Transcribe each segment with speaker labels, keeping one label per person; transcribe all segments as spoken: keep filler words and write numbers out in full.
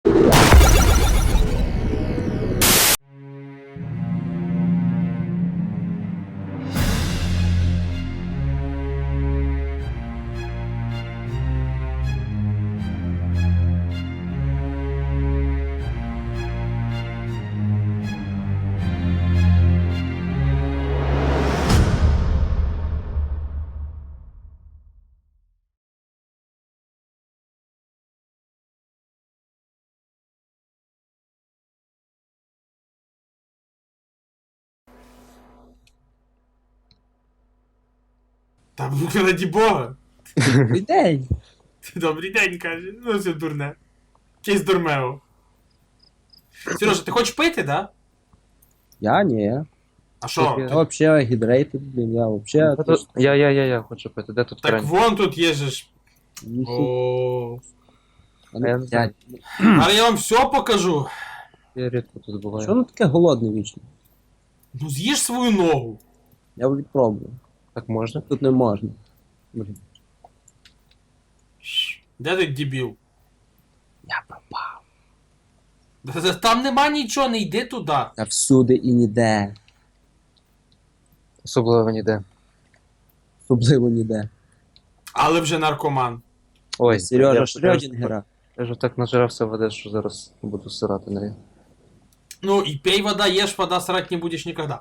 Speaker 1: Та раді Бога.
Speaker 2: Добрий день.
Speaker 1: Добрий день, каже. Ну все дурне. Честь дурмео. Сережа, ти хочеш пити, да?
Speaker 2: Я ні.
Speaker 1: А що?
Speaker 2: Я вообще гідрейтед, блін, я вообще...
Speaker 3: Та тут- Я, я, я, я хочу пити. Де тут
Speaker 1: Так
Speaker 3: крань?
Speaker 1: вон тут є же ж.
Speaker 2: Ніхі-
Speaker 1: О.
Speaker 2: А ну,
Speaker 3: я не знаю.
Speaker 2: блядь,
Speaker 1: Але я вам все покажу.
Speaker 3: Я рідко тут буваю.
Speaker 2: Що воно таке голодне вічно?
Speaker 1: Ну з'їж свою ногу.
Speaker 2: Я відпробую.
Speaker 3: Так можна?
Speaker 2: Тут не можна. Блін.
Speaker 1: Де ти дебіл?
Speaker 2: Я пропав.
Speaker 1: Да- да Там нема нічого, не йди туди.
Speaker 2: Та всюди і ніде.
Speaker 3: Особливо ніде.
Speaker 2: Особливо ніде.
Speaker 1: Але вже наркоман.
Speaker 3: Ой,
Speaker 2: Сережа
Speaker 3: я-
Speaker 2: Шрёдінгера.
Speaker 3: Я ж так нажирався води, що зараз буду сирати нею.
Speaker 1: Ну і пей вода, ешь вода, срать не будеш ніколи.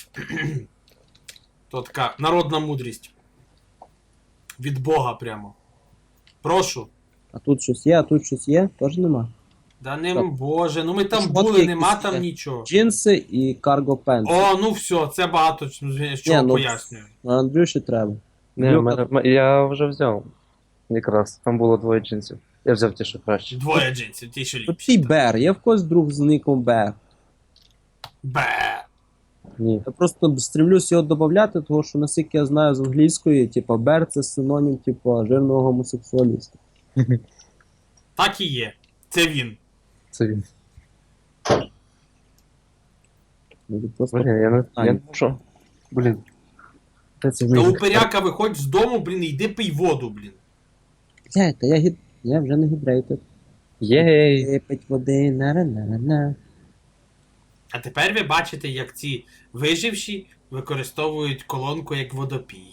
Speaker 1: То така народна мудрість. Від Бога прямо. Прошу.
Speaker 2: А тут щось є, а тут щось є? Теж нема.
Speaker 1: Да не
Speaker 2: Так.
Speaker 1: боже, ну ми там
Speaker 2: Шмотки
Speaker 1: були, нема
Speaker 2: якісь
Speaker 1: там
Speaker 2: є.
Speaker 1: нічого.
Speaker 2: Джинси і карго пенс.
Speaker 1: О, ну все, це багато з чого
Speaker 2: ну,
Speaker 1: пояснює.
Speaker 2: А Андрюші треба.
Speaker 3: Не,
Speaker 2: Андрюха,
Speaker 3: мене, м- я вже взяв. Якраз. Там було двоє джинсів. Я взяв ті, що краще.
Speaker 1: Двоє джинсів, ті ще
Speaker 2: Тут
Speaker 1: ліпші.
Speaker 2: твій Бер, є в когось друг з ником Бер.
Speaker 1: Бе.
Speaker 3: Ні.
Speaker 2: Я просто стремлюсь його додати, тому що наскільки я знаю з англійської, типа Бер це синонім, типа жирного гомосексуаліста.
Speaker 1: Так і є. Це він.
Speaker 3: Це він.
Speaker 2: Ну, ти просто...
Speaker 3: Блін, я не,
Speaker 2: А,
Speaker 3: я
Speaker 2: ні.
Speaker 3: не можу. Блін. Де це
Speaker 1: Та
Speaker 3: мій?
Speaker 1: упиряка виходь з дому, блін, і йди пий воду, блін.
Speaker 2: Блядь, та я гід... Я вже не гідрейтед.
Speaker 3: Єй!
Speaker 2: Випить води, на-на-на-на.
Speaker 1: А тепер ви бачите, як ці виживші використовують колонку як водопій.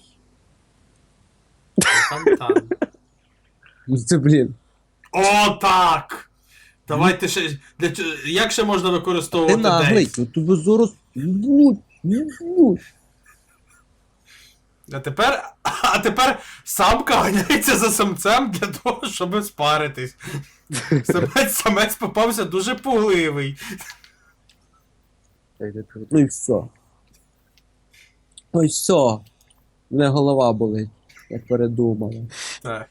Speaker 1: Фонтан.
Speaker 2: Ну це, блін.
Speaker 1: О, так! Давайте ще. Для, чо- як ще можна
Speaker 2: Ти
Speaker 1: використовувати
Speaker 2: наглий,
Speaker 1: дейс?
Speaker 2: ну тобі зараз... Їбуть, їбуть.
Speaker 1: А тепер. А тепер самка ганяється за самцем для того, щоб спаритись. Самець, самець попався дуже пугливий.
Speaker 3: Та йди тут.
Speaker 2: Ну і все. Ну і все. Мене голова болить. Я передумала.
Speaker 1: Так.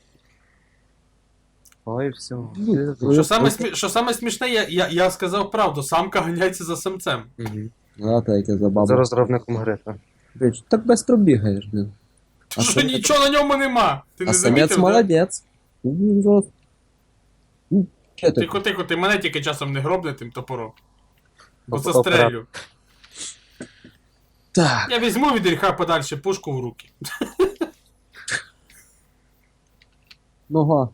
Speaker 3: Ой, все.
Speaker 2: Ну,
Speaker 1: Що саме, смі... що саме смішне, я, я, я сказав правду, самка ганяється за самцем.
Speaker 3: Угу.
Speaker 2: Знаєте, яке забавно.
Speaker 3: За розробником гри, так.
Speaker 2: Блядь, так быстро бігаєш, блін. А
Speaker 1: Що
Speaker 2: самець-
Speaker 1: нічого на ньому нема. Ти
Speaker 2: А
Speaker 1: не
Speaker 2: самець
Speaker 1: замітив? Да?
Speaker 2: молодець. Ну, він зараз... Ну, що ти?
Speaker 1: Тихо, тихо, ти мене тільки часом не гробне тим топором. Бо
Speaker 3: Оп-
Speaker 1: застрелю.
Speaker 2: Так.
Speaker 1: Я візьму від гріха подальше пушку в руки.
Speaker 2: Ну го.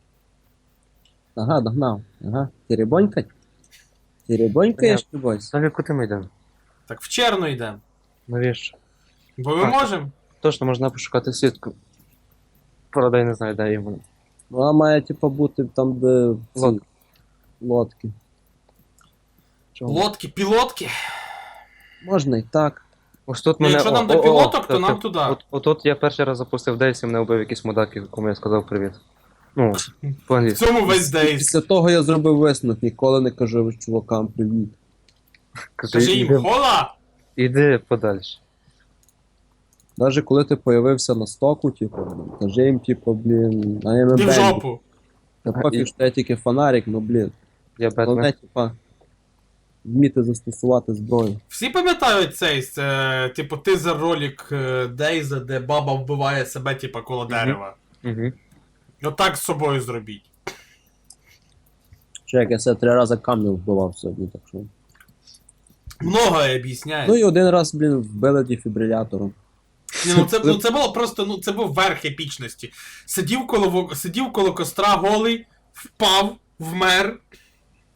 Speaker 2: Ага, догнав. Ага. Теребонькать? Теребонькаєш, ти бойся?
Speaker 3: Далі куди ми йдемо?
Speaker 1: Так в черну йдемо.
Speaker 3: Навіщо?
Speaker 1: Бо ми
Speaker 3: А.
Speaker 1: можемо.
Speaker 3: Точно можна пошукати сітку. Правда, я не знаю, де її.
Speaker 2: Вона має, типу, бути там, де... ці
Speaker 3: Лодка.
Speaker 2: Лодки.
Speaker 3: Чого?
Speaker 1: Лодки, пілотки.
Speaker 2: Можна і так.
Speaker 3: Ось тут
Speaker 1: Ну,
Speaker 3: мене...
Speaker 1: якщо нам
Speaker 3: о,
Speaker 1: до
Speaker 3: о, о,
Speaker 1: пілоток, то
Speaker 3: та-
Speaker 1: нам
Speaker 3: та-
Speaker 1: туди.
Speaker 3: От, отут я перший раз запустив Дейс і мене вбив якийсь мудак, якому я сказав привіт. Ну,
Speaker 1: В
Speaker 3: по-англійськи.
Speaker 1: цьому весь дейс.
Speaker 2: Після того я зробив висновок, ніколи не кажу чувакам привіт.
Speaker 1: Кажи їм
Speaker 3: іди,
Speaker 1: хола.
Speaker 3: іди подальше.
Speaker 2: Навіть коли ти появився на стоку, типу, блін, кажи їм, типу, блін, а я не
Speaker 1: Ти в
Speaker 2: бендик.
Speaker 1: жопу.
Speaker 2: Та пофіг, що я тільки фонарик, ну, блін.
Speaker 3: Я
Speaker 2: Головне,
Speaker 3: Бетмен.
Speaker 2: типа, вміти застосувати зброю.
Speaker 1: Всі пам'ятають цей, це, типу, тизер ролик е, Дейза, де баба вбиває себе, типу, коло дерева.
Speaker 3: Угу.
Speaker 1: Отак з собою зробіть.
Speaker 2: Чек, я себе три рази камнем вбивав сьогодні, так що.
Speaker 1: Многое об'ясняє.
Speaker 2: Ну і один раз, блін, вбили дефібрилятором.
Speaker 1: Ні, ну, це, ну це було просто, ну це був верх епічності. Сидів коло, во- сидів коло костра голий, впав, вмер.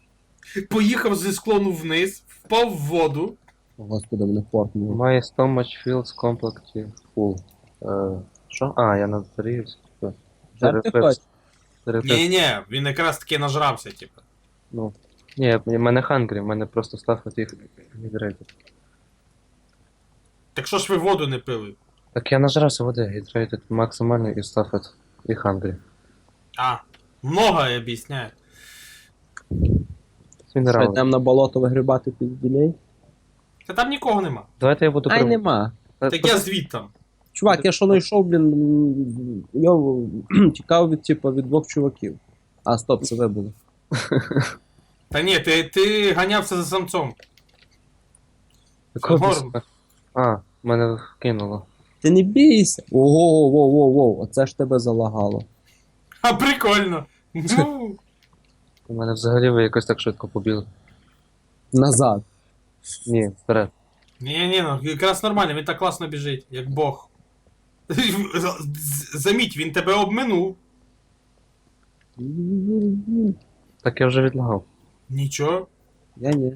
Speaker 1: поїхав зі склону вниз, впав в воду.
Speaker 2: О, Господи, мене фортнуло.
Speaker 3: My stomach feels completely full. Е, Що? А, я надзарівся.
Speaker 2: Жарти хоч?
Speaker 1: Ні-ні, він якраз таки нажрався, типу.
Speaker 3: Ну. Ні, в мене хангрі, в мене просто став от їх гідрейтед.
Speaker 1: Так що ж ви воду не пили?
Speaker 3: Так я нажрався води, гідрейтед максимально і став от і хангрі.
Speaker 1: А, многое об'ясняє.
Speaker 3: З
Speaker 2: Що,
Speaker 3: мінералом.
Speaker 2: йдемо на болото вигрібати пізділей?
Speaker 1: Та там нікого нема.
Speaker 3: Давайте я буду
Speaker 2: Ай,
Speaker 3: прив-
Speaker 2: нема.
Speaker 3: Та-
Speaker 1: Так
Speaker 3: та-
Speaker 1: я звідтам.
Speaker 2: Чувак, я що знайшов, блін, м, я тікав від, типу, від двох чуваків. А, стоп, це ви були.
Speaker 1: Та ні, ти, ти ганявся за самцом.
Speaker 3: Якого
Speaker 1: Горм.
Speaker 3: біса? А, мене вкинуло.
Speaker 2: Ти не бійся. Ого, воу, воу, воу, оце ж тебе залагало.
Speaker 1: А прикольно. Ну,
Speaker 3: У мене взагалі ви якось так швидко побіли.
Speaker 2: Назад.
Speaker 3: Ні, вперед.
Speaker 1: ні, ні, ну якраз нормально, він так класно біжить, як Бог. Заміть, він тебе обминув.
Speaker 3: Так я вже відлагав.
Speaker 1: Нічого.
Speaker 2: Я ні.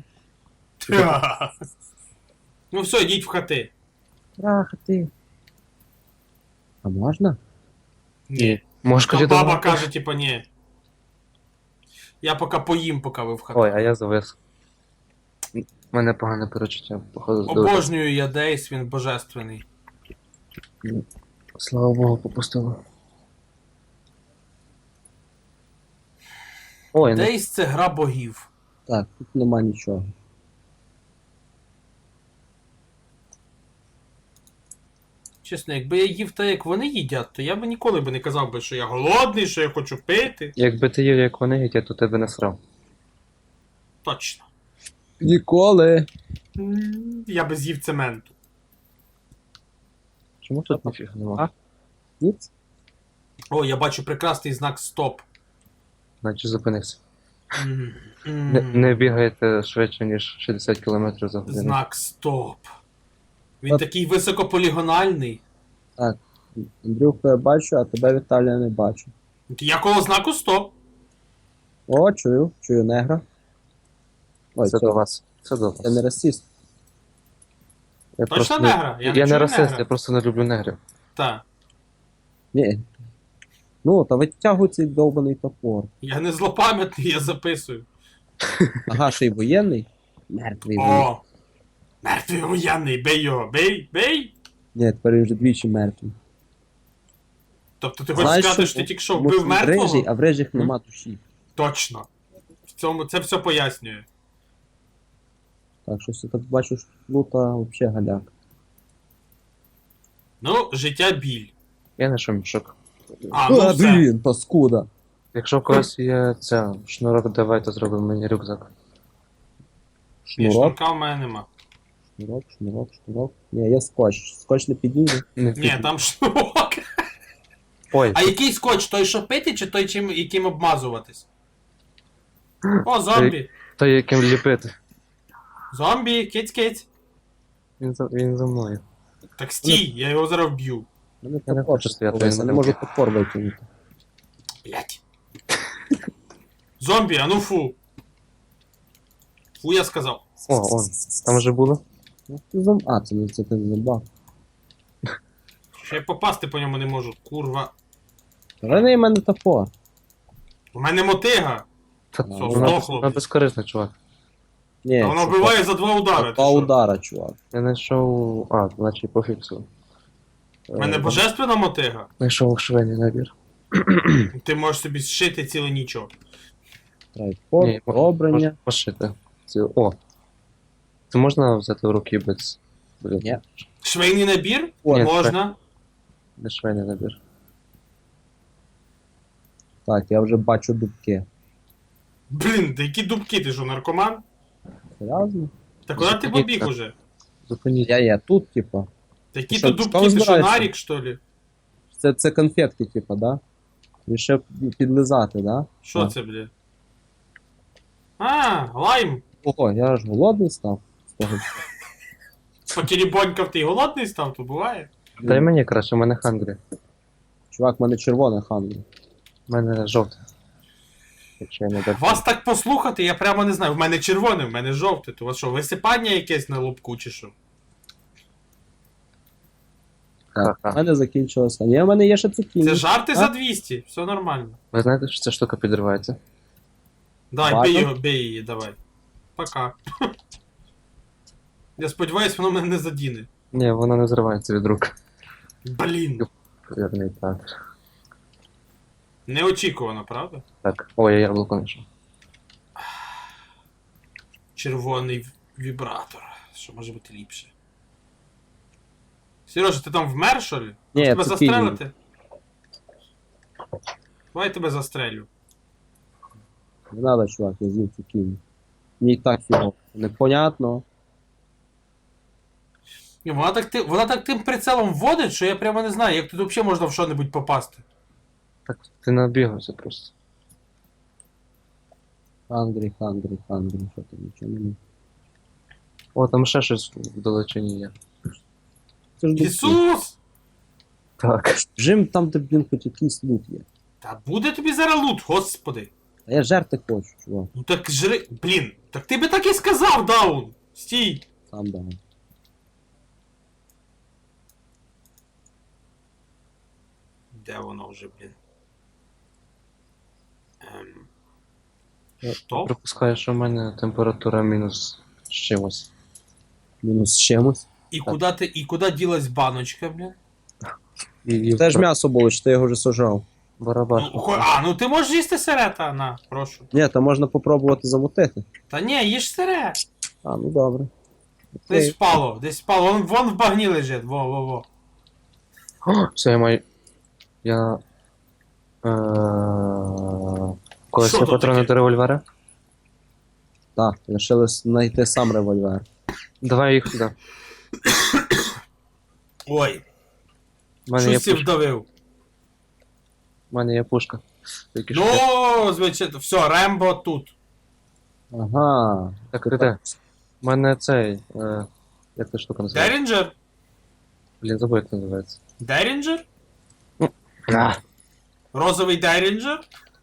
Speaker 1: Ну все, йдіть в хати.
Speaker 2: Ах, ти. А можна?
Speaker 1: Ні.
Speaker 3: Можеш
Speaker 1: А
Speaker 3: тоді
Speaker 1: баба
Speaker 3: давати?
Speaker 1: каже, типа, ні. Я поки поїм, поки ви в хати.
Speaker 3: Ой, а я завис. У мене погане перечуття, походу здоров'я.
Speaker 1: Обожнюю я Дейс, він божественний.
Speaker 3: Слава Богу, попустило. Ой, не
Speaker 1: Дейс це гра богів.
Speaker 2: Так, тут нема нічого.
Speaker 1: Чесно, якби я їв так, як вони їдять, то я би ніколи би не казав би, що я голодний, що я хочу пити.
Speaker 3: якби ти їв, як вони, я то тебе не срав.
Speaker 1: Точно.
Speaker 2: Ніколи.
Speaker 1: М, Я би з'їв цементу.
Speaker 3: Чому тут ніфіга нема?
Speaker 2: А? Ніц?
Speaker 1: О, я бачу прекрасний знак стоп.
Speaker 3: Значить зупинився.
Speaker 1: М, м.
Speaker 3: Не, не бігайте швидше, ніж шістдесят кілометрів за годину.
Speaker 1: Знак стоп. Він
Speaker 2: От.
Speaker 1: такий високополігональний.
Speaker 2: Андрюху я бачу, а тебе, Віталія, не бачу.
Speaker 1: Я коло знаку стоп.
Speaker 2: О, чую, чую негра. Ой,
Speaker 3: Це
Speaker 2: це,
Speaker 3: до вас. Це до вас.
Speaker 2: це не расист.
Speaker 3: Я
Speaker 1: Точно
Speaker 3: просто
Speaker 1: негра?
Speaker 3: Не...
Speaker 1: Я
Speaker 3: Я,
Speaker 1: не
Speaker 3: не
Speaker 1: чую
Speaker 3: расист,
Speaker 1: негра.
Speaker 3: я просто не люблю негрів.
Speaker 1: Так.
Speaker 2: Ні. Ну, та витягуй цей довбаний топор.
Speaker 1: Я не злопам'ятний, я записую.
Speaker 2: Ага, ще й воєнний? Мертвий. воєнний.
Speaker 1: О! Мертвий воєнний, бей його, бей, бей!
Speaker 2: Ні, тепер він вже двічі мертвий.
Speaker 1: Тобто ти хочеш
Speaker 2: Знаєш,
Speaker 1: сказати,
Speaker 2: що-
Speaker 1: що ти тільки що
Speaker 2: Тому
Speaker 1: вбив
Speaker 2: що він рижий,
Speaker 1: мертвого?
Speaker 2: а в рижих нема душі.
Speaker 1: Точно. В цьому це все пояснює.
Speaker 2: Так, щось я тут бачу, що лута взагалі галяк.
Speaker 1: Ну, життя біль.
Speaker 3: Я знайшов мішок.
Speaker 1: А, ну
Speaker 2: А,
Speaker 1: все.
Speaker 2: блін, паскуда.
Speaker 3: Якщо в когось є ця шнурок, давайте зробимо мені рюкзак.
Speaker 1: Ні,
Speaker 2: Шнурок,
Speaker 1: шнурка в мене нема.
Speaker 2: шнурок, шнурок, шнурок. Ні, є скотч. Скотч не підійде.
Speaker 3: Не
Speaker 1: Ні, там шнурок.
Speaker 3: Ой,
Speaker 1: А який скотч? Той, що пити, чи той, чим, яким обмазуватись? О, зомбі!
Speaker 3: то яким ліпити.
Speaker 1: Зомбі, киць-киць.
Speaker 3: Він за, він за мною.
Speaker 1: Так стій, я його зараз вб'ю.
Speaker 2: Мене
Speaker 3: Я не
Speaker 2: топор
Speaker 3: хочу стояти,
Speaker 2: повис,
Speaker 3: я
Speaker 2: я
Speaker 3: не
Speaker 2: не можу
Speaker 3: можу.
Speaker 2: топор витягнути.
Speaker 1: Блять. Зомбі, а ну фу. Фу, я сказав.
Speaker 3: О, он. Там вже було?
Speaker 2: Ну, ти зам... А, це не це ти не забав.
Speaker 1: Ще й попасти по ньому не можу. Курва.
Speaker 2: Верни мене топор.
Speaker 1: У мене мотига.
Speaker 3: Та,
Speaker 2: Ну,
Speaker 3: вона,
Speaker 1: здохло,
Speaker 3: вона
Speaker 1: блін.
Speaker 3: безкорисна, чувак.
Speaker 2: Ні,
Speaker 1: Та вона
Speaker 2: це
Speaker 1: вбиває за два удари. ти
Speaker 2: Два
Speaker 1: що?
Speaker 2: удара, чувак.
Speaker 3: Я знайшов. А, значить пофіксив.
Speaker 1: У мене божественна мотига.
Speaker 3: Знайшов швейний набір.
Speaker 1: Ти можеш собі зшити ціле нічого.
Speaker 2: Трайпод,
Speaker 3: Ні, мож-
Speaker 2: обрання.
Speaker 3: мож- пошити. Ці- О! Це можна взяти в руки без. Блін,
Speaker 2: Ні.
Speaker 1: Швейний набір?
Speaker 2: О,
Speaker 3: Ні,
Speaker 1: Можна.
Speaker 3: не швейний набір.
Speaker 2: Так, я вже бачу дубки.
Speaker 1: Блін, та які дубки, ти що, наркоман?
Speaker 2: Серйозно?
Speaker 1: Та куди ти
Speaker 3: Зупиніть
Speaker 1: побіг
Speaker 3: так.
Speaker 1: уже?
Speaker 3: Зупиніть.
Speaker 2: Я є тут, типа.
Speaker 1: Та які
Speaker 2: Що,
Speaker 1: то
Speaker 2: що
Speaker 1: дубки, ти що,
Speaker 2: збираєшся?
Speaker 1: нарік, що ли?
Speaker 2: Це, це конфетки, типа, да? І ще підлизати, да?
Speaker 1: Що
Speaker 2: Так.
Speaker 1: це, бля? А, лайм.
Speaker 2: Ого, я аж голодний став. з того.
Speaker 1: Покерібонькав ти й голодний став, то буває.
Speaker 3: Дай мені краще, у мене хангрі.
Speaker 2: Чувак, в мене червона ханга.
Speaker 3: У мене жовте. Якщо я не так.
Speaker 1: Вас так послухати, я прямо не знаю. В мене червоне, в мене жовте. То у вас що, висипання якесь на лобку чи що?
Speaker 2: Так,
Speaker 3: Ха-ха.
Speaker 2: у мене закінчилося. Ні, в мене є ще цукіні.
Speaker 1: Це жарти
Speaker 2: А?
Speaker 1: за двісті, все нормально.
Speaker 3: Ви знаєте, що ця штука підривається?
Speaker 1: Давай,
Speaker 2: Ладно.
Speaker 1: бей його, бей її, давай. Пока. Я сподіваюсь, воно мене не задіне.
Speaker 3: Ні, вона не зривається від рук.
Speaker 1: Блін.
Speaker 3: Вірний театр.
Speaker 1: Неочікувано, правда?
Speaker 3: Так. Ой, я яблуко знайшов.
Speaker 1: Червоний в- вібратор. Що може бути ліпше? Сережа, ти там вмер, що ли?
Speaker 2: Ні,
Speaker 1: Тебе
Speaker 2: цукіні.
Speaker 1: застрелити? Давай я тебе застрелю.
Speaker 2: Не треба, чувак, я з'їв цукіні. Мені і так фігово. Непонятно.
Speaker 1: Ні, вона так, ти, вона так тим прицелом вводить, що я прямо не знаю, як тут взагалі можна в що-небудь попасти.
Speaker 3: Так, ти набігався просто.
Speaker 2: Хандрі, хандрі, хандрі, що там, нічого не.
Speaker 3: О, там ще щось в далечині є.
Speaker 2: Це ж дубки.
Speaker 1: Ісус!
Speaker 3: Так.
Speaker 2: Жим там, де, блін, хоч якийсь лут є.
Speaker 1: Та буде тобі зараз лут, господи.
Speaker 2: А я жерти хочу, чувак.
Speaker 1: Ну так жри. Блін, так ти би так і сказав, Даун! Стій!
Speaker 2: Сам дам.
Speaker 1: Де воно вже, блін? Ем...
Speaker 3: Я
Speaker 1: Що?
Speaker 3: Припускаю, що в мене температура мінус з чимось.
Speaker 2: Мінус з чимось.
Speaker 1: І куди ти, і куди ділась баночка, блін?
Speaker 3: І, і
Speaker 2: Це ж м'ясо було, чи ти його вже сожрав?
Speaker 3: барабаш.
Speaker 1: Ну, хо- а, ну ти можеш їсти сире, та, на, прошу.
Speaker 2: Ні, то можна попробувати замутити.
Speaker 1: Та ні, їж сире.
Speaker 2: А, ну добре.
Speaker 1: Десь
Speaker 2: Окей.
Speaker 1: впало, десь впало. Вон, вон в багні лежить, во-во-во.
Speaker 3: О, все, я маю. Я. Е... Колись
Speaker 1: Що
Speaker 3: є
Speaker 1: тут
Speaker 3: патрони
Speaker 1: таке?
Speaker 3: до револьвера?
Speaker 2: Так, лишилось знайти сам револьвер.
Speaker 3: Давай їх сюди.
Speaker 1: Ой,
Speaker 3: У мене є
Speaker 1: щось я
Speaker 3: пушка.
Speaker 1: вдавив.
Speaker 3: У мене є пушка. Тільки що.
Speaker 1: Ну, звичайно, все, Рембо тут.
Speaker 2: Ага.
Speaker 3: Так, ти де? У мене цей. Е... Як та штука називається?
Speaker 1: Дерінджер?
Speaker 3: Блін, забув, як називається.
Speaker 1: Дерінджер?
Speaker 3: А.
Speaker 1: Розовий Дерінджер?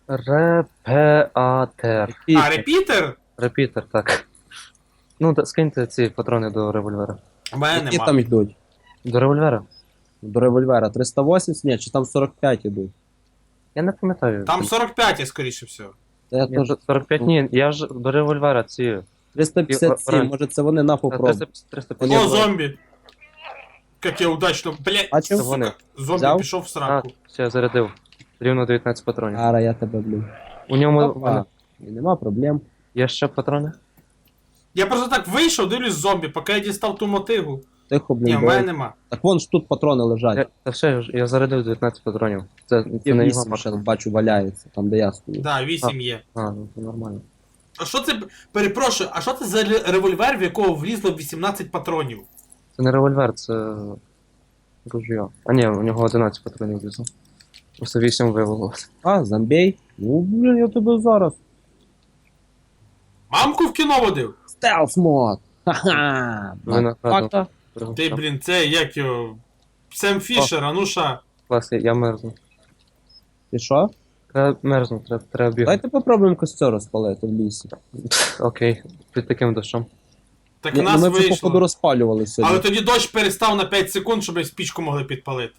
Speaker 3: Репеатер.
Speaker 1: А, репітер?
Speaker 3: Репітер, так. Ну, та, скиньте ці патрони до револьвера.
Speaker 1: У мене
Speaker 2: Які
Speaker 1: нема.
Speaker 2: там йдуть?
Speaker 3: До револьвера?
Speaker 2: До револьвера триста вісімдесят? Ні, чи там сорок п'ять йдуть?
Speaker 3: Я не пам'ятаю.
Speaker 1: Там сорок п'ять, скоріше всього.
Speaker 2: Та я
Speaker 3: Ні,
Speaker 2: теж
Speaker 3: сорок п'ять, ні, я ж до револьвера ці.
Speaker 2: триста п'ятдесят сім,
Speaker 3: Оранж.
Speaker 2: може це вони на попробуй.
Speaker 3: триста, триста
Speaker 1: О,
Speaker 3: п'ятдесят.
Speaker 1: зомбі! Як я удачно, блядь,
Speaker 2: Бачив?
Speaker 3: Це вони.
Speaker 1: зомбі
Speaker 2: Взяв?
Speaker 1: пішов в
Speaker 3: А,
Speaker 1: сраку.
Speaker 3: все, я зарядив. Рівно дев'ятнадцять патронів.
Speaker 2: Ара, я тебе блю.
Speaker 3: У ньому в
Speaker 2: Опа.
Speaker 3: мене
Speaker 2: І нема проблем.
Speaker 3: є ще патрони?
Speaker 1: Я просто так вийшов, дивлюсь зомбі, поки я дістав ту мотигу.
Speaker 2: Тихо,
Speaker 1: Ні,
Speaker 2: блін.
Speaker 1: в
Speaker 2: бо-
Speaker 1: мене нема.
Speaker 2: Так вон ж тут патрони лежать.
Speaker 3: Я, та все, я ж- я зарядив дев'ятнадцять патронів. Це,
Speaker 2: Є
Speaker 3: це не його
Speaker 2: вісім ще
Speaker 3: патрони.
Speaker 2: бачу валяється, там де я стою.
Speaker 1: Да, вісім є.
Speaker 3: А, ну це нормально.
Speaker 1: А що це, перепрошую, а що це за ре- револьвер, в якого влізло вісімнадцять патронів?
Speaker 3: Це не револьвер, це. Ружьо. А ні, у нього одинадцять патронів влізло. Просто вісім вивелося.
Speaker 2: А, зомбей? Ну, блін, я тебе зараз.
Speaker 1: Мамку в кіно водив?
Speaker 2: Стелс мод! Ха-ха!
Speaker 3: Ви нагадували.
Speaker 2: Факта.
Speaker 1: Ти, блін, це як його. Сем Фішер, а ну ша.
Speaker 3: Клас, я- я мерзну.
Speaker 2: Ти що?
Speaker 3: Треба мерзну, треба, треба бігати.
Speaker 2: Давайте попробуємо костер розпалити в лісі.
Speaker 3: Окей, під таким дощом.
Speaker 1: Так
Speaker 2: Ні,
Speaker 1: у
Speaker 2: ну
Speaker 1: нас
Speaker 2: ми вже походу
Speaker 1: вийшло.
Speaker 2: розпалювали сьогодні.
Speaker 1: Але тоді дощ перестав на п'ять секунд, щоб спічку могли підпалити.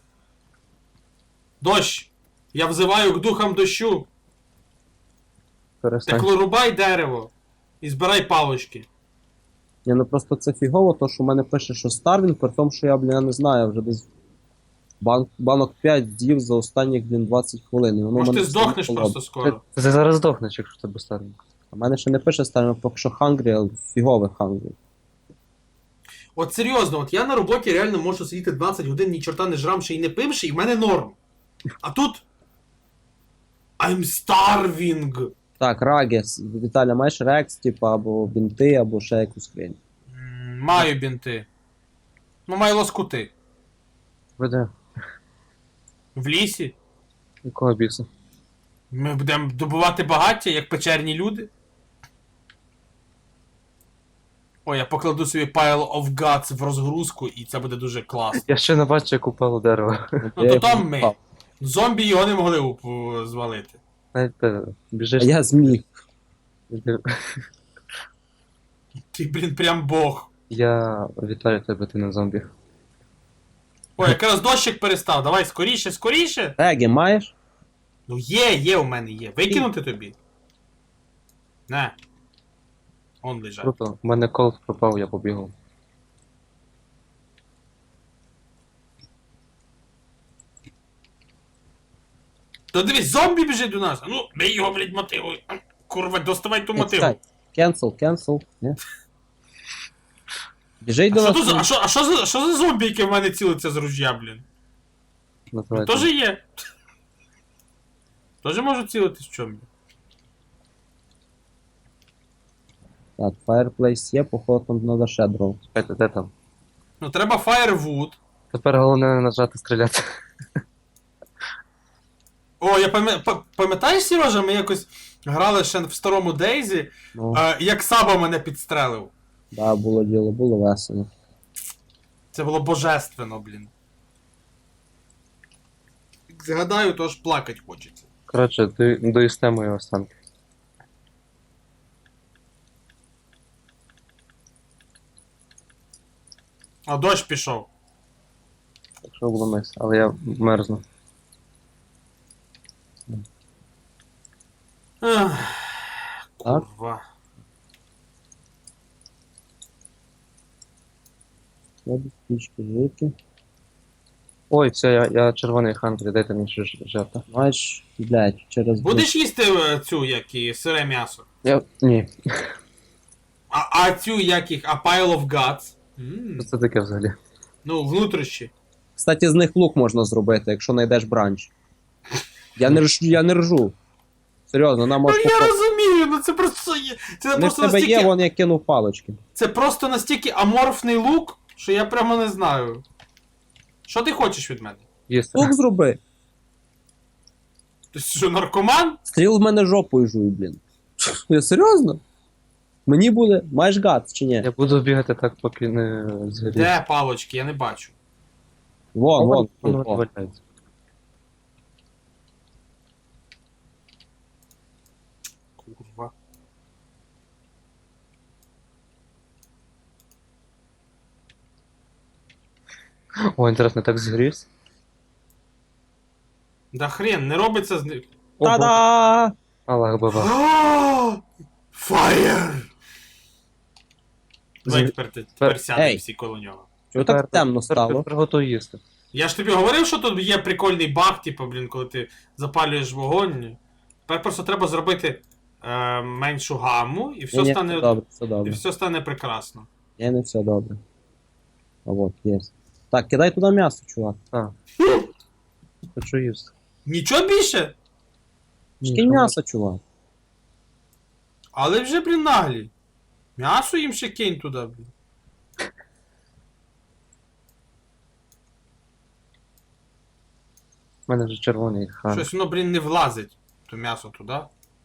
Speaker 1: Дощ! Я взиваю к духам дощу.
Speaker 3: Перестань.
Speaker 1: Так рубай дерево. І збирай палочки.
Speaker 2: Ні, ну просто це фігово, то що в мене пише, що Старвінг, при тому, що я, блін, я не знаю, вже десь банк, банок п'ять з'їв за останніх, блін, двадцять хвилин. І воно в
Speaker 1: Може
Speaker 2: мене
Speaker 1: ти
Speaker 2: все
Speaker 1: здохнеш
Speaker 2: не холодно.
Speaker 1: просто скоро.
Speaker 3: Ти, ти зараз здохнеш, якщо тебе старий.
Speaker 2: А в мене ще не пише Старвінг, поки що хангрі, але фігове хангрі.
Speaker 1: От серйозно, от я на роботі реально можу сидіти двадцять годин, ні чорта не жрамши і не пивши, і в мене норм. А тут. I'm starving.
Speaker 2: Так, Рагес, Віталя, маєш рекс, типу, або бінти, або ще якусь хрень.
Speaker 1: М, Маю бінти. Ну, маю лоскути.
Speaker 3: Веде.
Speaker 1: В лісі.
Speaker 3: Якого біса?
Speaker 1: Ми будемо добувати багаття, як печерні люди. Ой, я покладу собі Pile of Guts в розгрузку, і це буде дуже класно.
Speaker 3: Я ще не бачу, як упало дерево.
Speaker 1: Ну то там ми. Зомбі його не могли уп- звалити.
Speaker 3: Навіть ти біжиш.
Speaker 2: А я зміг.
Speaker 1: Ти, блін, прям бог.
Speaker 3: Я вітаю тебе, ти не зомбі.
Speaker 1: Ой, якраз дощик перестав. Давай скоріше, скоріше.
Speaker 2: Теги маєш?
Speaker 1: Ну є, є у мене є. Викинути тобі? Не. Он лежать.
Speaker 3: Круто, у мене колд пропав, я побігав.
Speaker 1: Та дивись, зомбі біжить до нас. А ну, бей його, блядь, мотивуй. А, Курва, доставай ту мотиву.
Speaker 2: Чекай. Cancel, cancel. Ні? Біжить
Speaker 1: А
Speaker 2: до
Speaker 1: що,
Speaker 2: нас.
Speaker 1: тут за, а, що, а що, за, що за зомбі, яке в мене цілиться з ружья, блін?
Speaker 3: Називається.
Speaker 1: Тоже є. Тоже можу цілитись в чому.
Speaker 2: Так, Fireplace є, походу там треба ще дров.
Speaker 3: Чекайте, де там?
Speaker 1: Ну, треба Firewood.
Speaker 3: Тепер головне не нажати стріляти.
Speaker 1: О, я пам'я- па- пам'ятаєш, Сережа, ми якось грали ще в старому Дейзі,
Speaker 2: Ну,
Speaker 1: е, як Саба мене підстрелив.
Speaker 2: да, було діло, було весело.
Speaker 1: Це було божественно, блін. Як згадаю, то аж плакать хочеться.
Speaker 3: Коротше, до, доїсте мої останки.
Speaker 1: А дощ пішов.
Speaker 3: Якщо було мис, але я мерзну.
Speaker 1: Ех,
Speaker 2: Так.
Speaker 1: Курва.
Speaker 2: Треба пічки жити.
Speaker 3: Ой, все, я, я червоний хандрі, дайте мені ще ж- жерти.
Speaker 2: Маєш, блядь, через...
Speaker 1: Будеш їсти е, цю, як і сире м'ясо?
Speaker 3: Я. Ні.
Speaker 1: А, а цю, як їх, a pile of guts? М,
Speaker 3: Що це таке взагалі?
Speaker 1: Ну, внутрішні.
Speaker 2: Кстати, з них лук можна зробити, якщо знайдеш бранч. Я не ржу, я не ржу. Серйозно, нам
Speaker 1: Ну
Speaker 2: може
Speaker 1: я розумію, ну це просто є. Це
Speaker 2: Не в
Speaker 1: просто
Speaker 2: тебе є,
Speaker 1: настільки.
Speaker 2: вон я кинув палочки.
Speaker 1: Це просто настільки аморфний лук, що я прямо не знаю. Що ти хочеш від мене?
Speaker 3: Їсти.
Speaker 2: Лук зроби.
Speaker 1: Ти що, наркоман?
Speaker 2: Стріл в мене жопою жуй, блін. Я серйозно? Мені буде. Маєш гад чи ні?
Speaker 3: Я буду бігати так, поки не згорів.
Speaker 1: Де палочки, я не бачу.
Speaker 2: Вон, вон.
Speaker 3: Воно
Speaker 2: тут, вон.
Speaker 3: валяється.
Speaker 1: Курва.
Speaker 3: О, інтересно, так згорівся?
Speaker 1: Да хрен, не робиться з них.
Speaker 3: О, Боже.
Speaker 2: Та-да!
Speaker 3: Аллах баба.
Speaker 1: Фаєр! Давай
Speaker 3: Зі-
Speaker 1: тепер ти тепер сядемо
Speaker 2: Ей.
Speaker 1: всі коло нього.
Speaker 2: Чого так темно стало?
Speaker 3: Приготуй їсти.
Speaker 1: Я ж тобі говорив, що тут є прикольний баг, типу, блін, коли ти запалюєш вогонь. Тепер просто треба зробити е, меншу гамму, і все
Speaker 2: Ні, ні,
Speaker 1: стане.
Speaker 2: все добре, все
Speaker 1: І
Speaker 2: добре.
Speaker 1: все стане прекрасно.
Speaker 2: Ні, не все добре. А от, є. Так, кидай туди м'ясо, чувак.
Speaker 3: А. Хочу їсти.
Speaker 1: Нічого більше,
Speaker 2: Скинь м'ясо, чувак.
Speaker 1: але вже, блін, наглі. М'ясо їм ще кинь туди, блін.
Speaker 3: У мене вже червоний хан.
Speaker 1: Щось воно, блін, не влазить. То м'ясо туди.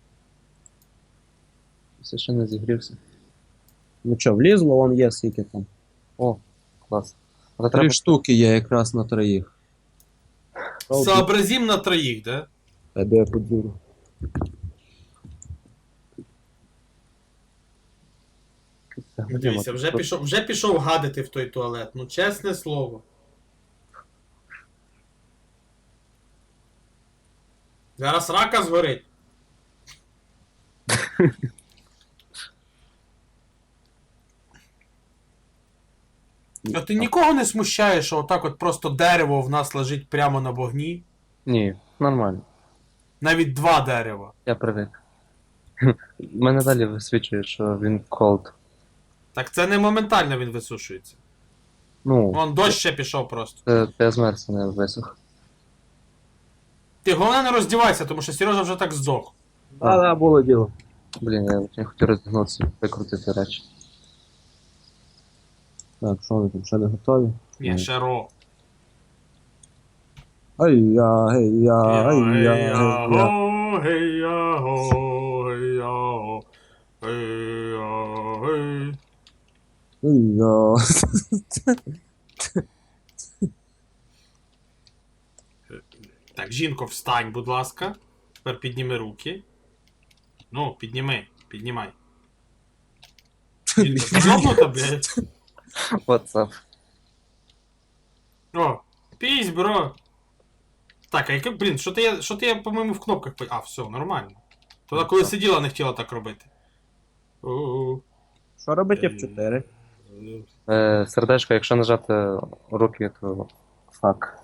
Speaker 3: Все ще не зігрівся.
Speaker 2: Ну що, влізло, вон є скільки там.
Speaker 3: О, клас. Але
Speaker 2: Три
Speaker 3: треба...
Speaker 2: штуки є якраз на троїх.
Speaker 1: Сообразім на троїх, да?
Speaker 2: Та де я подюру.
Speaker 1: Дивіться, вже пішов, вже пішов гадити в той туалет. Ну, чесне слово. Зараз рака згорить. А ти нікого не смущаєш, що отак от просто дерево в нас лежить прямо на вогні?
Speaker 3: Ні, нормально.
Speaker 1: Навіть два дерева.
Speaker 3: Я привик. Мене далі висвічує, що він cold.
Speaker 1: Так це не моментально він висушується.
Speaker 3: Ну,
Speaker 1: Вон дощ ще пішов просто.
Speaker 3: це я змерз, не висох.
Speaker 1: Ти головне не роздівайся, тому що Сережа вже так здох.
Speaker 2: А, да, було діло.
Speaker 3: Блін, я не хотів роздягнутися, викрутити речі.
Speaker 2: Так, що ви там, ще не готові?
Speaker 1: Ні, ще ро.
Speaker 2: Ай-я, гей-я, ай-я, гей-я.
Speaker 1: Гей-я-го, гей-я-го, гей-я-го, гей-я-гей.
Speaker 2: Ай-я.
Speaker 1: Так, жінко, встань, будь ласка. Тепер підніми руки. Ну, підніми, піднімай. Жінка, ти йобнута, блядь?
Speaker 3: WhatsApp.
Speaker 1: О, пісь, бро. Так, а яке, блін, що ти я, що ти я, по-моєму, в кнопках... по- А, все, нормально. Тоді, коли сиділа, не хотіла так робити. У-у-у.
Speaker 2: Що робить еф чотири?
Speaker 3: Е, сердечко, якщо нажати руки, то фак.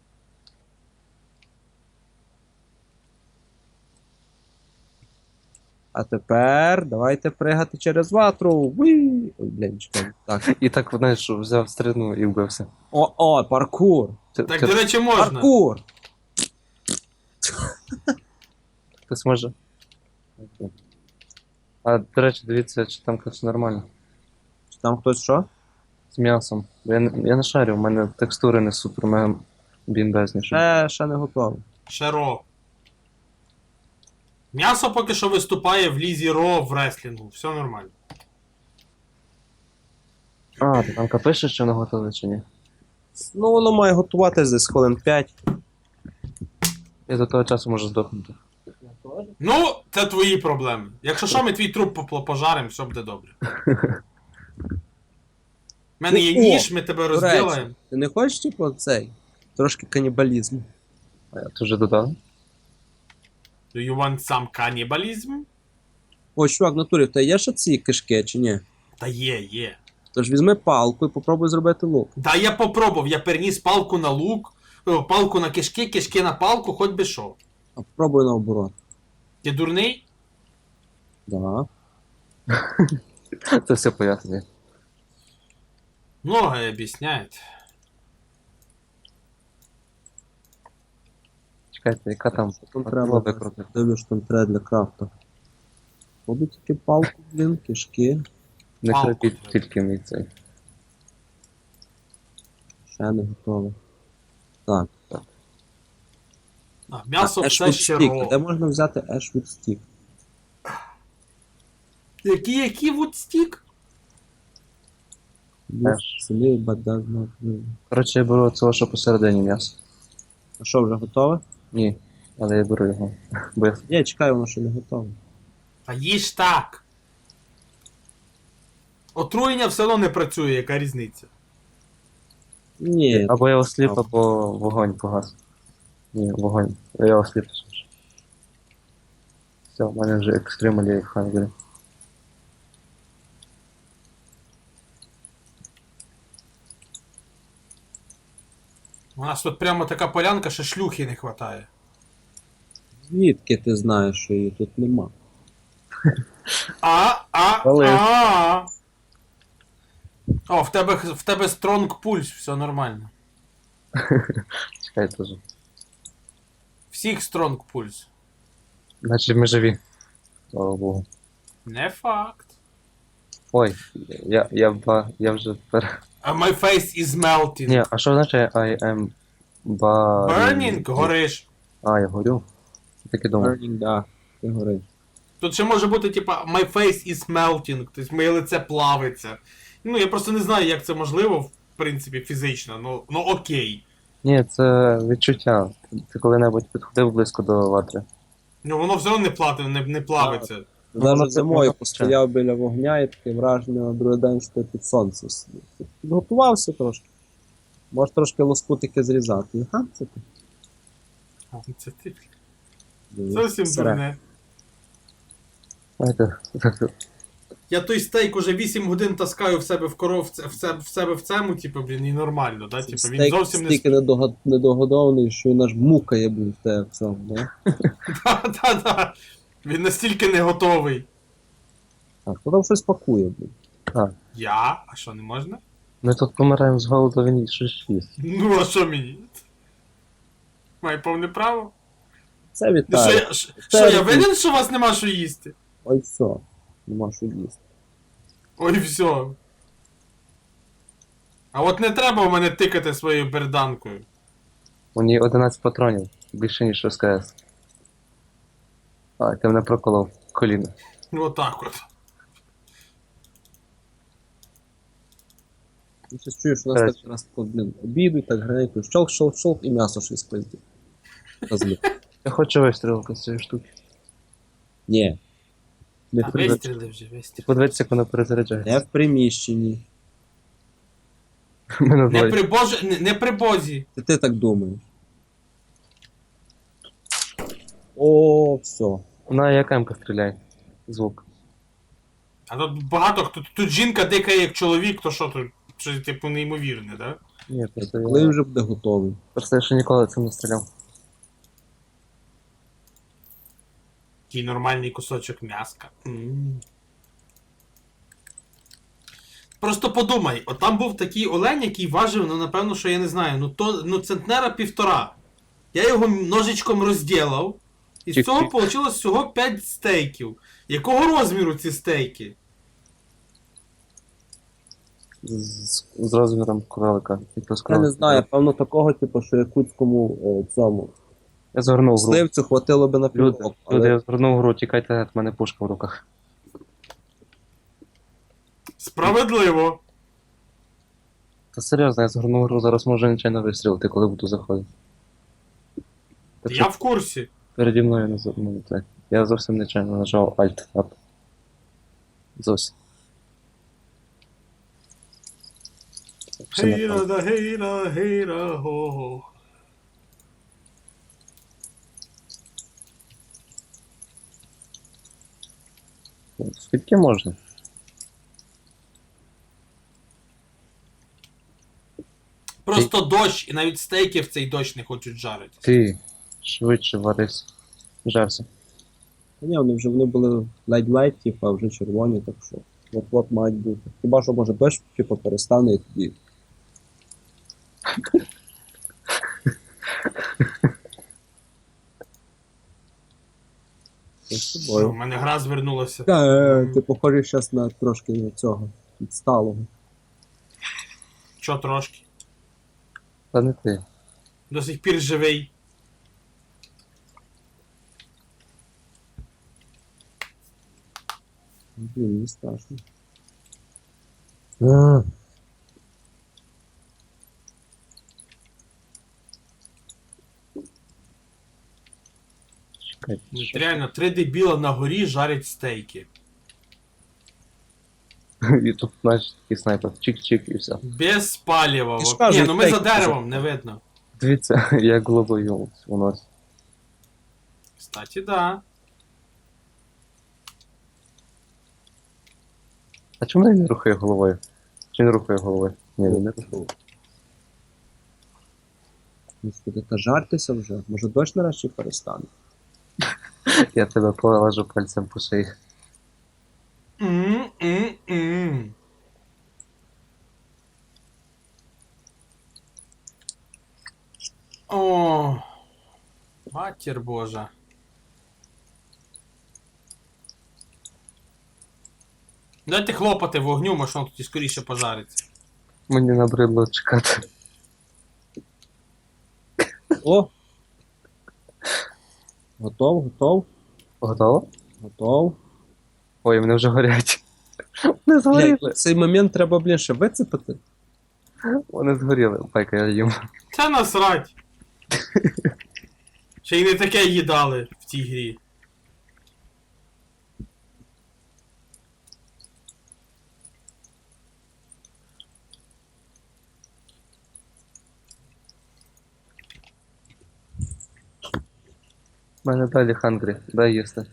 Speaker 2: А тепер давайте пригати через ватру. Уі! Ой, блін, чекай. Так.
Speaker 3: І так, знаєш, взяв стрільну і вбився.
Speaker 2: О, о, паркур!
Speaker 3: Ти-
Speaker 1: Так,
Speaker 3: ти-
Speaker 1: до речі, можна.
Speaker 2: Паркур!
Speaker 3: Хтось може. А, до речі, дивіться, чи там все нормально.
Speaker 2: Чи там хтось що?
Speaker 3: З м'ясом. Бо Я, не- я не шарю, у мене текстури не супер мега бімбезні. щоб-
Speaker 2: Ще, ще не готово.
Speaker 1: Ще ро. М'ясо поки що виступає в лізі ро в реслінгу. Все нормально.
Speaker 3: А, ти там пише, що воно готове чи ні?
Speaker 2: Ну, воно має готуватись десь хвилин п'ять.
Speaker 3: Я до того часу можу здохнути.
Speaker 1: Ну, це твої проблеми. Якщо що, ми твій труп попл- пожаримо, все буде добре. У мене є
Speaker 2: О,
Speaker 1: ніж, ми тебе
Speaker 2: до речі.
Speaker 1: розділаємо.
Speaker 2: Ти не хочеш, типу, цей? Трошки канібалізму.
Speaker 3: А я ти вже додав?
Speaker 1: Do you want some cannibalism?
Speaker 2: О, чувак, в натурі, в тебе є ще ці кишки, чи ні?
Speaker 1: Та є, є.
Speaker 2: Тож візьми палку і попробуй зробити лук.
Speaker 1: Да, я попробував, я переніс палку на лук, о, палку на кишки, кишки на палку, хоч би що.
Speaker 2: А попробуй наоборот.
Speaker 1: Ти дурний?
Speaker 2: Да.
Speaker 3: Це все пояснює.
Speaker 1: Многое об'ясняють.
Speaker 3: Чекайте, яка там?
Speaker 2: Що там
Speaker 3: А,
Speaker 2: треба?
Speaker 3: лобик крутить.
Speaker 2: Дивлюсь, що там треба для крафту. Буду тільки палку, блін, кишки.
Speaker 3: Не
Speaker 1: Палку
Speaker 3: крутіть
Speaker 1: треба.
Speaker 3: тільки мій цей.
Speaker 2: Ще не готово. Так.
Speaker 1: А, м'ясо
Speaker 2: Ashwood
Speaker 1: все ще
Speaker 2: Stick. Де
Speaker 1: ро.
Speaker 2: можна взяти Ashwood Stick?
Speaker 1: Які, які вудстік?
Speaker 2: Use
Speaker 3: Ash.
Speaker 2: sleep, but does not live.
Speaker 3: Коротше, я беру цього, що посередині м'ясо.
Speaker 2: А що, вже готове?
Speaker 3: Ні, але я беру його. Бо я...
Speaker 2: Ні, чекай, воно ще не готове.
Speaker 1: А їж так. Отруєння все одно не працює, яка різниця?
Speaker 2: Ні,
Speaker 3: Або я осліп,
Speaker 2: А.
Speaker 3: або вогонь погас. Ні, вогонь. Я осліп. Все, в мене вже екстремалі в хангері.
Speaker 1: У нас тут прямо така полянка, що шлюхи не вистачає.
Speaker 2: звідки ти знаєш, що її тут нема?
Speaker 1: А, а,
Speaker 3: Вали.
Speaker 1: а. О, в тебе, в тебе стронг пульс, все нормально.
Speaker 3: Чекай теж.
Speaker 1: Всіх стронг пульс.
Speaker 3: Значить ми живі. Слава Богу.
Speaker 1: Не факт.
Speaker 3: Ой, я, я, ба, я вже тепер...
Speaker 1: А my face is melting.
Speaker 3: Ні, а що означає I am ba...
Speaker 1: Burning, гориш.
Speaker 3: А, я горю. Я так і думав.
Speaker 2: Burning, да, ти гориш.
Speaker 1: Тут ще може бути, типа, my face is melting, тобто моє лице плавиться. Ну, я просто не знаю, як це можливо, в принципі, фізично, ну, ну окей.
Speaker 3: Ні, це відчуття. Ти коли-небудь підходив близько до ватри.
Speaker 1: Ну, воно все одно не, плати, не, не плавиться.
Speaker 3: Ну, воно
Speaker 2: Навіть
Speaker 3: це-
Speaker 2: зимою
Speaker 3: воно
Speaker 2: постояв біля вогня і таке враження на другий день, що ти під сонцем сидів. Ти Підготувався трошки. Можеш трошки лоскутики зрізати. Ага, це ти.
Speaker 1: А, Це ти.
Speaker 2: Диви,
Speaker 1: Зовсім
Speaker 2: сире.
Speaker 1: дурне.
Speaker 3: Знаєте, так,
Speaker 1: Я той стейк уже вісім годин таскаю в себе в коров, в, це- в, це- в себе в цьому, типу, блін, і нормально, да? Типу, він
Speaker 2: Стейк
Speaker 1: зовсім не
Speaker 2: стільки недого- недогодований, що він аж мукає був в тебе в цьому, да?
Speaker 1: Да-да-да. Він настільки не готовий.
Speaker 2: Так, хто там щось пакує, блін.
Speaker 1: Я? А що, не можна?
Speaker 3: ми тут помираємо з голоду, він щось їсть.
Speaker 1: Ну, а що мені? Маю повне право?
Speaker 2: Це
Speaker 1: Ну, що,
Speaker 2: вітаю.
Speaker 1: я, що, що, я винен, що у вас нема що їсти?
Speaker 2: Ой, все. Нема що їсти.
Speaker 1: Ой, все. А от не треба в мене тикати своєю берданкою.
Speaker 3: У ній одинадцять патронів, більше ніж в СКС. А, ти мене проколов коліно.
Speaker 1: Отак от.
Speaker 2: Ти щось чуєш, у нас
Speaker 3: Коротше.
Speaker 2: так раз, от, блін, обідуть, так граненько, щолк, щолк, щолк, і м'ясо щось пиздить. Козлі.
Speaker 3: Я хочу вистрілити з цієї штуки.
Speaker 2: Ні. Не,
Speaker 1: А
Speaker 2: при...
Speaker 1: вистріли вже, вистріли.
Speaker 3: Подивіться, як воно перезаряджається.
Speaker 2: не в приміщенні.
Speaker 3: Ми на
Speaker 1: Не
Speaker 3: дворі.
Speaker 1: при боже, не, не при бозі.
Speaker 2: Це ти так думаєш. О, все.
Speaker 3: На як М-ка стріляє. Звук.
Speaker 1: А тут багато хто. Тут жінка дикає як чоловік, то що тут? Щось типу неймовірне, да?
Speaker 3: Ні, просто
Speaker 2: Коли
Speaker 3: я...
Speaker 2: він вже буде готовий.
Speaker 3: Просто я ще ніколи цим не стріляв.
Speaker 1: Такий нормальний кусочок м'яска. М. Просто подумай, от там був такий олень, який важив, ну напевно, що я не знаю, ну то ну центнера півтора. Я його ножичком розділав, і з
Speaker 3: Чик-чик.
Speaker 1: цього вийшло всього п'ять стейків. Якого розміру ці стейки?
Speaker 3: З, з, з розміром кролика.
Speaker 2: Я не знаю, певно такого, типу, що якутському е, цьому
Speaker 3: Я згорнув гру.
Speaker 2: сливцю хватило би на
Speaker 3: Люди,
Speaker 2: півроку,
Speaker 3: люди, я
Speaker 2: але
Speaker 3: згорнув гру, тікайте, в мене пушка в руках.
Speaker 1: Справедливо.
Speaker 3: Та серйозно, я згорнув гру, зараз можу нечайно вистрілити, коли буду заходити. Так
Speaker 1: Я
Speaker 3: що
Speaker 1: в курсі.
Speaker 3: переді мною не за- ну, це. Я зовсім нечайно нажав Alt Tab. Зовсім. Все
Speaker 1: Гейра
Speaker 3: нормально.
Speaker 1: да гейра, гейра, го-го.
Speaker 3: Скільки можна?
Speaker 1: Просто дощ, і навіть стейки в цей дощ не хочуть жарити.
Speaker 3: Ти швидше варись. Жарся.
Speaker 2: Та ні, вони вже вони були ледь-ледь, типу, а вже червоні, так що от-от мають бути. Хіба що може дощ типу, перестане і тоді. Це з
Speaker 1: Що, в
Speaker 2: тобою.
Speaker 1: мене гра звернулася.
Speaker 2: Та, е, ти похожий зараз на трошки на цього відсталого.
Speaker 1: Чо трошки?
Speaker 3: Та не ти.
Speaker 1: До сих пір живий.
Speaker 2: Блін, не страшно.
Speaker 3: А. Чекай,
Speaker 1: Ну,
Speaker 3: що?
Speaker 1: реально, три дебіла на горі жарять стейки.
Speaker 3: І тут, знаєш, такий снайпер. Чик-чик і все.
Speaker 1: Без паліва.
Speaker 2: Ти ж
Speaker 1: Ні,
Speaker 2: кажеш,
Speaker 1: ну ми за
Speaker 2: стейки
Speaker 1: деревом, не видно.
Speaker 3: Дивіться, як головою у нас.
Speaker 1: Кстати, да.
Speaker 3: А чому він не рухає головою? Чи не рухає головою? Ні, він не рухає.
Speaker 2: Господи, та жартеся вже. Може дощ нарешті перестане?
Speaker 3: Я тебе полажу пальцем по шиї.
Speaker 1: М-м-м. О, матір Божа. Дайте хлопати вогню, може воно тоді скоріше пожариться.
Speaker 3: Мені набридло чекати.
Speaker 2: О! Готов, готов,
Speaker 3: Готово?
Speaker 2: готов.
Speaker 3: Ой, вони вже горять. Вони згоріли.
Speaker 2: Блядь, цей момент треба, блін, ще вицепити.
Speaker 3: Вони згоріли. Пайка, я їм.
Speaker 1: Це насрать. Ще й не таке їдали в цій грі.
Speaker 3: У мене далі хангрі. Дай їсти.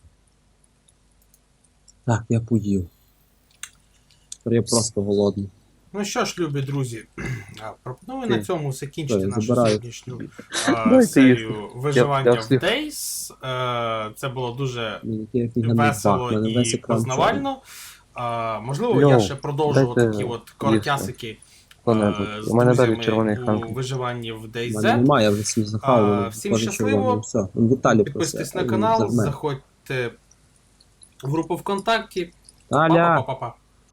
Speaker 2: Так, я поїв. Тепер я просто голодний.
Speaker 1: Ну що ж, любі друзі, а, пропоную
Speaker 3: Ти.
Speaker 1: на цьому закінчити
Speaker 2: Ой,
Speaker 1: нашу
Speaker 2: забираю.
Speaker 1: сьогоднішню а,
Speaker 3: Дайте
Speaker 1: серію виживання
Speaker 3: Я- я
Speaker 1: в
Speaker 3: вслід.
Speaker 1: Days. Е, Це було дуже
Speaker 2: Мені який офігенний баг,
Speaker 1: весело
Speaker 2: в мене весь
Speaker 1: і
Speaker 2: екран чорний.
Speaker 1: познавально. А, можливо,
Speaker 3: Йоу,
Speaker 1: я ще продовжу
Speaker 3: дайте
Speaker 1: такі от коротясики
Speaker 3: Хто-небудь.
Speaker 1: е, з
Speaker 3: У мене далі
Speaker 1: друзями
Speaker 3: червоний
Speaker 1: у
Speaker 3: хангрі.
Speaker 1: виживанні в
Speaker 2: У мене
Speaker 1: DayZ.
Speaker 2: немає, я вже всі захавав.
Speaker 1: А, всім щасливо.
Speaker 2: Все. Он Віталій
Speaker 1: Підписуйтесь
Speaker 2: просив,
Speaker 1: на
Speaker 2: а він
Speaker 1: канал,
Speaker 2: загме.
Speaker 1: заходьте в групу ВКонтакті.
Speaker 2: Таля!
Speaker 1: Па-па-па-па-па.